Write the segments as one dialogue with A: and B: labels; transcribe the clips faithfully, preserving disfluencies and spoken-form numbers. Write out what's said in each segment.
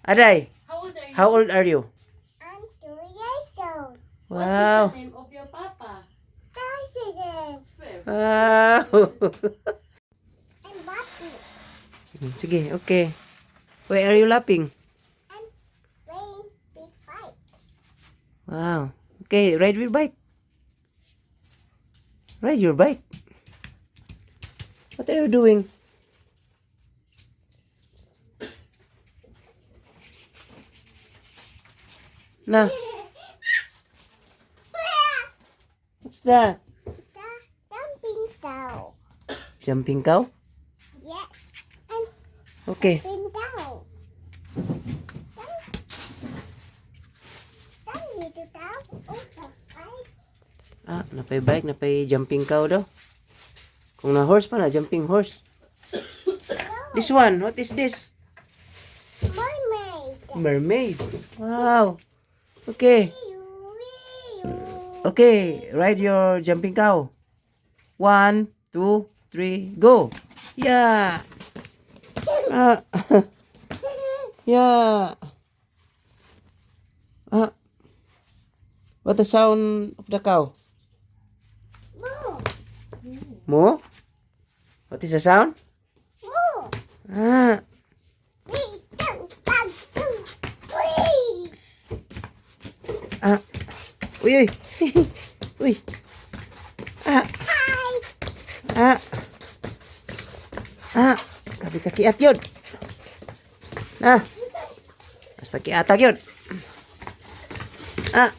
A: Aday,
B: How old are you?
A: how old are you?
C: I'm two years old.
A: Wow.
B: What is the name of your papa?
C: President.
A: Wow.
C: I'm Bobby.
A: Sige, okay. Why are you laughing?
C: I'm playing big bikes.
A: Wow. Okay, ride your bike. Ride your bike. What are you doing? Nah, what's that?
C: It's a jumping cow.
A: Jumping cow?
C: Yes. And
A: Okay.
C: jumping cow. Come, little cow. Oh, the bike.
A: Ah, napay bike, napay jumping cow daw. Kung na horse pa na, jumping horse. This one, what is this?
C: Mermaid.
A: Mermaid. Wow. Okay.
C: Wee-oo.
A: Okay, ride your jumping cow. One, two, three, go. Yeah. Ah. Yeah. Ah. What the sound of the cow?
C: Moo.
A: Moo? What is the sound?
C: Moo.
A: Ah.
C: Three, two, one, two, three.
A: Ah. Uy, uy. Uy. Ah.
C: Hi.
A: Ah. Ah. Kabi kakiat yun. Ah. Basta kiatag yun. Ah.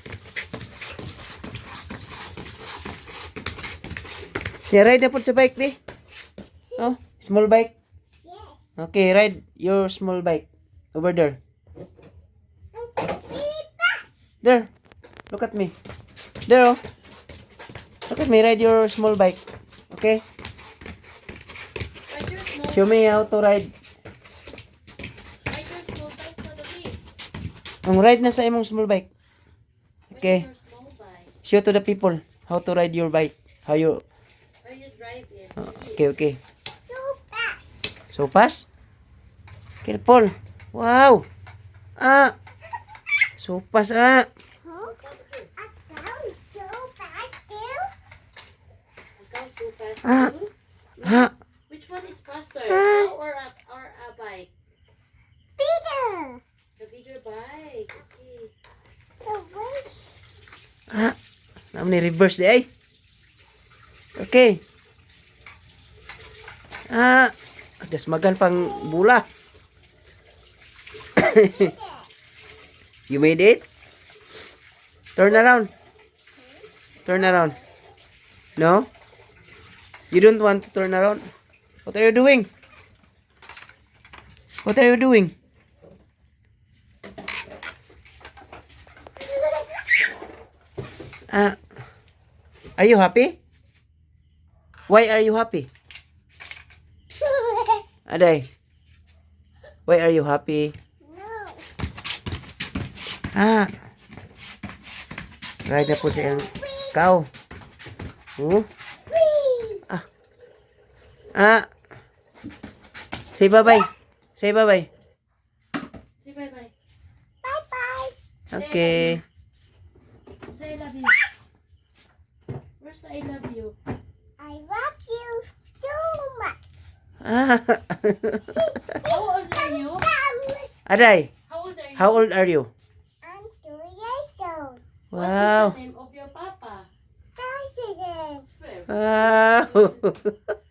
A: Siya ride na po sa bike, be. Oh, small bike.
C: Yes.
A: Okay, ride your small bike. Over there.
C: I'm so really fast.
A: There. Look at me. There, oh. Look at me, ride your small bike. Okay?
B: Ride your small
A: Show me how to ride.
B: Ride your small bike for the week.
A: Ang ride na sa imong small bike. Okay.
B: Ride your small bike.
A: Show to the people how to ride your bike. How you...
B: How you drive it.
A: Oh, okay, okay.
C: So fast.
A: So fast. Careful. Wow. Ah. So fast, ah.
C: Huh? A cow is so fast too?
B: A cow so fast
A: Ah.
B: too.
A: Ah.
B: Which one is faster?
A: Ah.
B: Cow or a, or a bike?
C: Peter.
B: A bigger bike. Okay.
C: So wait.
A: Ah. Naam ni reverse di ay. Okay. Ah. Dasmagan pang bula. You made it? Turn around. Turn around. No? You don't want to turn around? What are you doing? What are you doing? Ah. Are you happy? Why are you happy? Aday. Why are you happy?
C: No.
A: Ah. Ride na po siya yung cow. Oh.
C: Whee!
A: Ah. Ah. Say bye-bye. Say bye-bye.
B: Say bye-bye.
C: Bye bye.
A: Okay.
B: Say I love you. Where's the I love you?
C: I love you so much.
A: Ah.
B: How old are you?
C: Come.
A: Aday,
B: How old are you?
A: how old are you?
C: I'm two years old.
B: What is
A: Wow.
B: the name of your papa?
C: President.
A: Wow.